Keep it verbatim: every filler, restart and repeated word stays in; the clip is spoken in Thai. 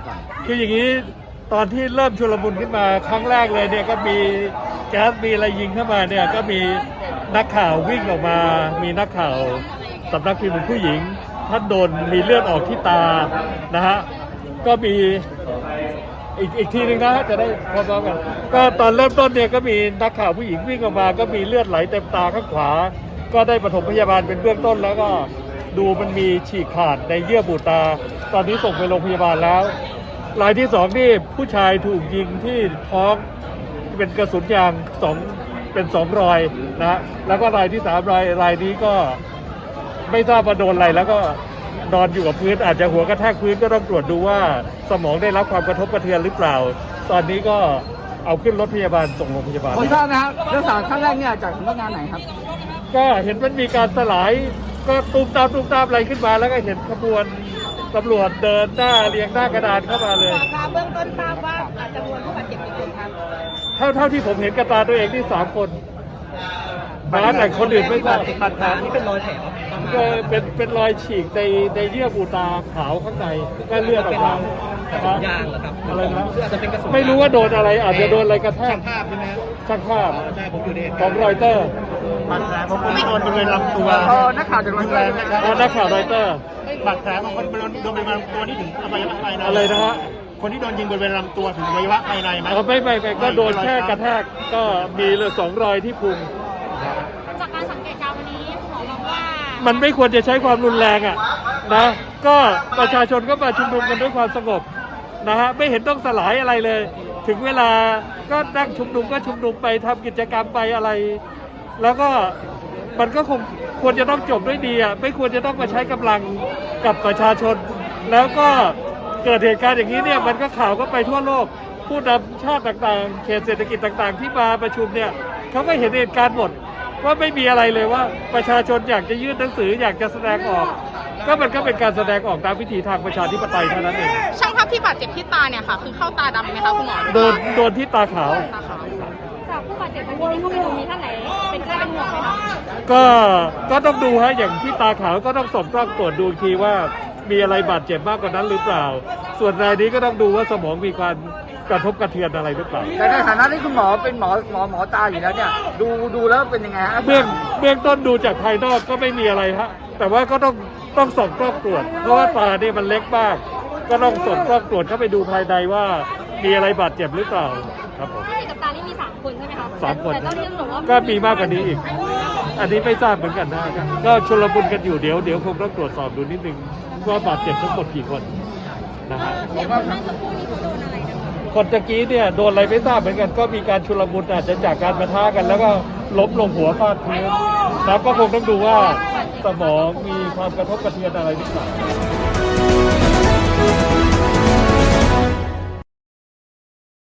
ก่อนคืออย่างนี้ตอนที่เริ่มชุลมุนขึ้นมาครั้งแรกเลยเนี่ยก็มีแก๊สมีอะไรยิงเข้ามาเนี่ยก็มีนักข่าววิ่งออกมามีนักข่าวสำนักพิมพ์ผู้หญิงท่านโดนมีเลือดออกที่ตานะฮะก็มีอีกอีกทีหนึ่งนะจะได้พร้อมๆกันก็ตอนเริ่มต้นเนี่ยก็มีนักข่าวผู้หญิงวิ่งออกมาก็มีเลือดไหลเต็มตาข้างขวาก็ได้ปฐมพยาบาลเป็นเบื้องต้นแล้วก็ดูมันมีฉีกขาดในเยื่อบุตาตอนนี้ส่งไปโรงพยาบาลแล้วรายที่สองนี่ผู้ชายถูกยิงที่ท้องเป็นกระสุนยางสองเป็นสองรอยนะฮะแล้วก็รายที่สามรายรายนี้ก็ไม่ทราบว่าโดนอะไรแล้วก็นอนอยู่กับพื้นอาจจะหัวกระแทกพื้นก็ต้องตรวจดูว่าสมองได้รับความกระทบกระเทือนหรือเปล่าตอนนี้ก็เอาขึ้นรถพยาบาลส่งโรงพยาบาลผมทราบนะครับเรื่องสารขั้นแรกเนี่ยจากสำนักงานไหนครับก็เห็นมันมีการสลายก็ตูมตามตูมตามอะไรขึ้นมาแล้วก็เห็นขบวนตำรวจเดินหน้าเรียงหน้ากระดานเข้ามาเลยเบื้องต้นทราบว่าจำนวนผู้บาดเจ็บกี่คนครับเท่าเท่าที่ผมเห็นกระตาตัวเองที่สามคนนะแต่คนอื่นไม่ทราบบาดแผลนี่เป็นรอยแผลก็เป็นเป็นรอยฉีกในในเยื่อบุตาขาวข้างในก็เลือดออกมายางเหรอครับอะไรนะไม่รู้ว่าโดนอะไรอาจจะโดนอะไรกระแทกช่างภาพใช่ไหมช่างภาพของรอยเตอร์บาดแผลของคนที่โดนบริเวณลำตัวนักข่าวจากรอยเตอร์นะครับนักข่าวรอยเตอร์บาดแผลของคนโดนบริเวณลำตัวนี่ถึงอวัยวะภายในอะไรนะฮะคนที่โดนยิงบริเวณลำตัวถึงอวัยวะภายในไหมไม่ไม่ไม่ก็โดนแค่กระแทกก็มีเลยสองรอยที่พุงจากการสังเกตการณ์วันนี้หมอบอกว่ามันไม่ควรจะใช้ความรุนแรงอ่ะนะก็ประชาชนก็มาชุมนุมกันด้วยความสงบนะฮะไม่เห็นต้องสลายอะไรเลยถึงเวลาก็นั่งชุมนุมก็ชุมนุมไปทำกิจกรรมไปอะไรแล้วก็มันก็คงควรจะต้องจบด้วยดีอ่ะไม่ควรจะต้องมาใช้กำลังกับประชาชนแล้วก็เกิดเหตุการณ์อย่างนี้เนี่ยมันก็ข่าวก็ไปทั่วโลกผู้นำชาติต่างๆเขตเศรษฐกิจต่างๆที่มาประชุมเนี่ยเขาก็เห็นเหตุการณ์หมดว่าไม่มีอะไรเลยว่าประชาชนอยากจะยื่นหนังสืออยากจะแสดงออกก็มันก็เป็นการแสดงออกตามวิถีทางประชาธิปไตยเท่านั้นเองช่างภาพที่บาดเจ็บที่ตาเนี่ยค่ะคือเข้าตาดำไหมคะคุณหมอโดนโดนที่ตาขาวจากผู้บาดเจ็บเมื่อกี้ที่เข้าไปดูมีท่านไหนเป็นใครเป็นห่วงไหมคะก็ก็ต้องดูฮะอย่างที่ตาขาวก็ต้องส่งกล้องตรวจดูทีว่ามีอะไรบาดเจ็บมากกว่านั้นหรือเปล่าส่วนรายนี้ก็ต้องดูว่าสมองมีการกระทบกระเทือนอะไรหรือเปล่าแต่ในฐานะที่คุณหมอเป็นหมอหมอหมอตาอยู่แล้วเนี่ยดูดูแล้วเป็นยังไงฮะเบื้องเบื้องต้นดูจากภายนอกก็ไม่มีอะไรฮะแต่ว่าก็ต้องต้องส่งกล้องตรวจเพราะว่าตาเนี่ยมันเล็กมากก็ต้องส่งกล้องตรวจเข้าไปดูภายในว่ามีอะไรบาดเจ็บหรือเปล่าครับผมที่กับตานี่มีสามคนใช่ไหมคะสามคนก็มีมากกว่านี้อีกอันนี้ไม่ทราบเหมือนกันนะก็ชุลมุนกันอยู่เดี๋ยวเดี๋ยวคงต้องตรวจสอบดูนิดนึงว่าบาดเจ็บทั้งหมดกี่คนนะฮะคนตะกี้เนี่ยโดนอะไรไม่ทราบเหมือนกันก็มีการชุลมุนอาจจะจากการปะทะกันแล้วก็ล้มลงหัวฟาดพื้นแล้วก็คงต้องดูว่าสมองมีความกระทบกระเทือนอะไรหรือเปล่า